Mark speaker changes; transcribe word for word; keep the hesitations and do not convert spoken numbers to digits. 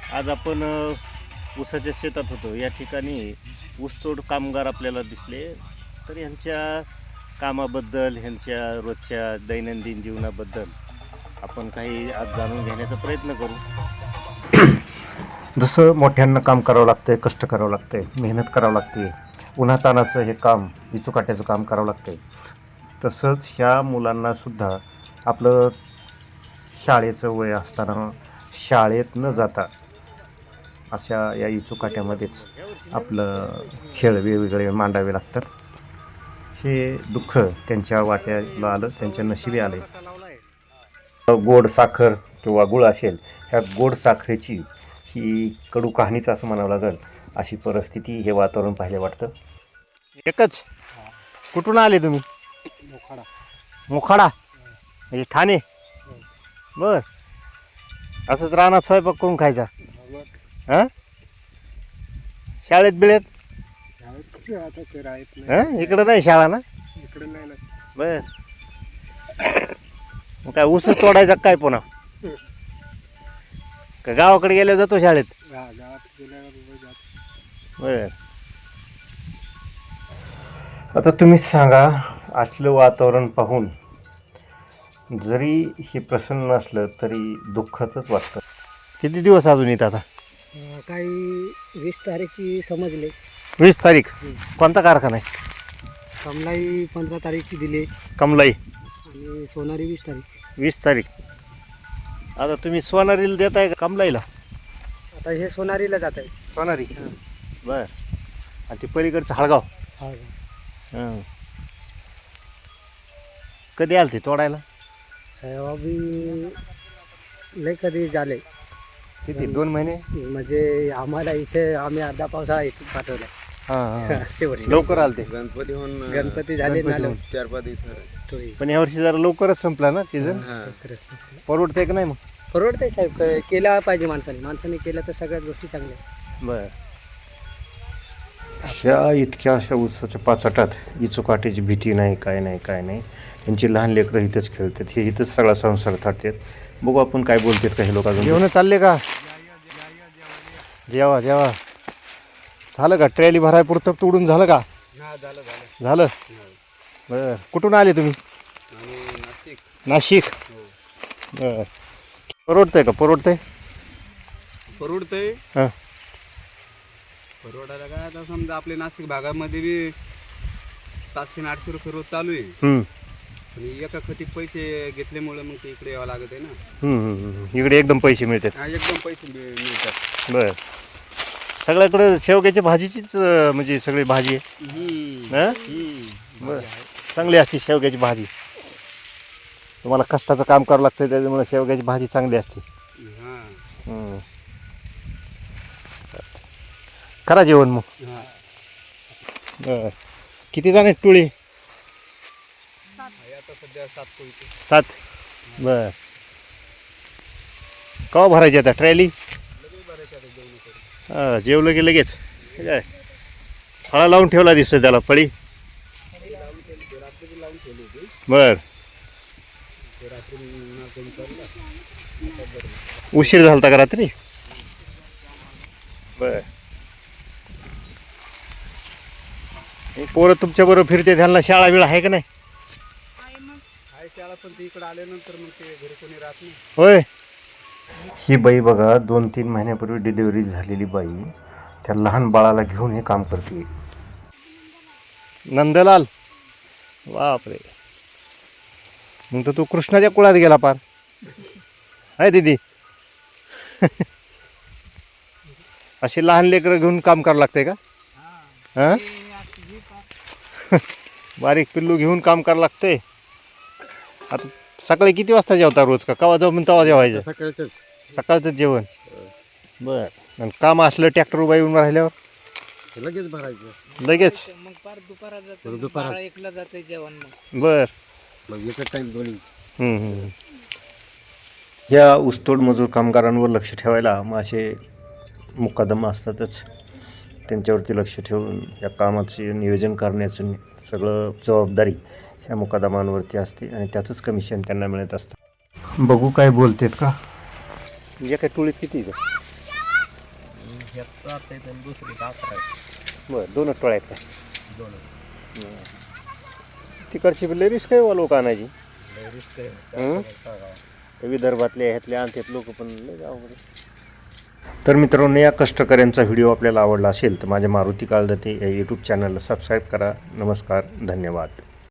Speaker 1: आज आपण अ, ऊसाच्या शेतात होतो. या ठिकाणी ऊसतोड कामगार आपल्याला दिसले. तर ह्यांच्या कामाबद्दल, ह्यांच्या रोजच्या दैनंदिन जीवनाबद्दल आपण काही आज जाणून घेण्याचा प्रयत्न करू. जसं मोठ्यांना काम करावं लागतंय, कष्ट करावं लागतंय, मेहनत करावं लागते, उन्हातानाचं हे काम, विचूकाट्याचं काम करावं लागतंय, तसंच ह्या मुलांनासुद्धा आपलं शाळेचं वय असताना शाळेत न जाता अशा या इचुकाट्यामध्येच आपलं खेळ वेगवेगळे मांडावे लागतात. हे दुःख त्यांच्या वाट्याला आलं, त्यांच्या नशिबी आले. गोड साखर किंवा गुळ असेल, ह्या गोड साखरेची ही कडू कहाणीच असं म्हणावं लागेल, अशी परिस्थिती हे वातावरण पाहिलं वाटतं. एकच कुठून आले तुम्ही?
Speaker 2: मोखाडा.
Speaker 1: मोखाडा म्हणजे ठाणे. बर, असंच रानात स्वयंपाक करून खायचा. हां, शाळेत बिळेत
Speaker 2: आता ते राहत नाही.
Speaker 1: हां, इकडं नाही शाळा ना?
Speaker 2: इकडे नाही ना.
Speaker 1: बर, मग काय ऊस तोडायचा काय पुन्हा? का गावाकडे गेल्यावर जातो शाळेत?
Speaker 2: गा- गावात गेल्यावर उभं जात.
Speaker 1: बर, आता तुम्हीच सांगा, असलं वातावरण पाहून जरी हे प्रसन्न असलं तरी दुःखाचंच वाटतं. किती दिवस अजून येत आता?
Speaker 2: अं, काही वीस तारीखची समजले.
Speaker 1: वीस तारीख. कोणता कारखाना आहे?
Speaker 2: कमलाई पंधरा तारीखची दिली
Speaker 1: कमलाई.
Speaker 2: आणि सोनारी वीस तारीख.
Speaker 1: वीस तारीख. आता तुम्ही सोनारीला देताय का कमलाईला?
Speaker 2: आता हे सोनारीला जात आहे.
Speaker 1: सोनारी. बर, आणि ती पलीकडचं हळगाव.
Speaker 2: हा
Speaker 1: हां, कधी आलं ते तोडायला?
Speaker 2: सोयाबीन लय कधी झाले.
Speaker 1: किती, दोन महिने?
Speaker 2: म्हणजे आम्हाला इथे आम्ही अर्धा पावसाळा इथे पाठवला.
Speaker 1: हां हां,
Speaker 2: असे वर्ष
Speaker 1: लवकर आलं ते.
Speaker 3: गणपती होऊन
Speaker 2: गणपती झाले ना
Speaker 1: गणपती होऊन.
Speaker 3: चार पाच दिवस
Speaker 2: थोडी
Speaker 1: पण यावर्षी जरा लवकरच संपला ना सीझन.
Speaker 2: खरंच.
Speaker 1: परवडतंय का नाही मग?
Speaker 2: परवडतंय साहेब, क- केला पाहिजे माणसाने. माणसाने केलं तर सगळ्याच गोष्टी चांगल्या आहेत.
Speaker 1: बर, अशा इतक्या अशा उत्साहाच्या पाचाटात इचुकाटीची भीती नाही, काय नाही काय नाही. त्यांची लहान लेकरं इथंच खेळतात, हे इथंच सगळा संसार थाटतात. बघू आपण काय बोलतात काही लोक. अजून जेवण चालले का? जेवा जेवा. झालं का? ट्रॅली भराय पुरतं तोडून झालं का?
Speaker 2: झालं झालं.
Speaker 1: झालं. बर, कुठून आले तुम्ही?
Speaker 2: नाशिक.
Speaker 1: नाशिक. बर, परवडतंय का? परवडतंय.
Speaker 2: परवडतंय.
Speaker 1: हां,
Speaker 2: परवडायला काय, आता समजा आपल्या नाशिक भागामध्ये बी सातशे आणि आठशे रुपये रोज चालू आहे.
Speaker 1: हम्म,
Speaker 2: आणि एका खतीत पैसे घेतल्यामुळे मग ते इकडे यावं लागत आहे ना.
Speaker 1: हम्म, हम्म, हम्म. इकडे एकदम पैसे मिळतात.
Speaker 2: हा, एकदम पैसे मिळ- मिळतात.
Speaker 1: बर, सगळ्याकडे शेवग्याची भाजीचीच अं, म्हणजे सगळी भाजी आहे.
Speaker 2: हम्म.
Speaker 1: हां,
Speaker 2: हम्म.
Speaker 1: बर, चांगली असते शेवग्याची भाजी. तुम्हाला कष्टाचं काम करावं लागतं, त्याच्यामुळे शेवग्याची भाजी चांगली असते.
Speaker 2: हा.
Speaker 1: हम्म. करा जेवण मग.
Speaker 2: हा.
Speaker 1: बर, किती जण आहेत टोळी?
Speaker 2: आहे आता सध्या सात कोळी.
Speaker 1: सात. बर, केव्हा भरायची आता ट्रॅली? हां, जेवलं की लगेच काय फळा लावून ठेवला दिसतोय त्याला, फळी. बर, उशीर झाला होता का रात्री? बर, पोरं तुमच्या बरोबर फिरते, त्यांना शाळा बिळा आहे का नाही?
Speaker 2: आहे त्याला, पण ते इकडे आल्यानंतर मग ते घरी कोणी राहत नाही.
Speaker 1: होय. ही बाई बघा, दोन तीन महिन्यापूर्वी डिलिव्हरी झालेली बाई त्या लहान बाळाला घेऊन हे काम करते. नंदलाल, बापरे, मग तर तू कृष्णाच्या कुळात गेला पार. आहे दीदी. अशी लहान लेकरं घेऊन काम करावं लागतंय का? हां, बारीक पिल्लू घेऊन काम करावं लागतंय. आता सकाळी किती वाजता जेवता रोज? का कवा जाऊ तेव्हा जेवायचं?
Speaker 2: सकाळचं
Speaker 1: सकाळचं जेवण. बर, आणि काम असलं ट्रॅक्टर उभा येऊन राहिल्यावर
Speaker 2: लगेच भरायचं.
Speaker 1: लगेच.
Speaker 4: मग पार दुपारात जाते,
Speaker 2: दुपारात.
Speaker 4: बारा एकला जाते जेवण. मग
Speaker 1: बर,
Speaker 2: मग एकच टाईम दोन्ही.
Speaker 1: हम्म, हम्म. या ऊसतोड मजूर कामगारांवर लक्ष ठेवायला मग असे मुकादम असतातच. त्यांच्यावरती लक्ष ठेवून या कामाचे नियोजन करण्याचं सगळं जबाबदारी ह्या मुकादमांवरती असते आणि त्याचंच कमिशन त्यांना मिळत असतं. बघू काय बोलतेत का? म्हणजे काय टोळीत किती?
Speaker 3: ह्यात सात आहेत आणि दुसरी अकरा आहेत.
Speaker 1: बरं दोनच टोळ्या आहेत काय?
Speaker 3: दोन
Speaker 1: तिकडची लय रिस्क आहे वा लोक आणायची.
Speaker 3: लय रिस्क आहे.
Speaker 1: हं?
Speaker 3: काय सांगावं.
Speaker 1: ते विदर्भातले ह्यातले आणतात लोक पण लय अवघड आहे. तर मित्रांनो, या कष्टकऱ्यांचा व्हिडिओ आपल्याला आवडला असेल तर माझ्या मारुती काळदते या यूट्यूब चॅनलला सबस्क्राईब करा. नमस्कार, धन्यवाद.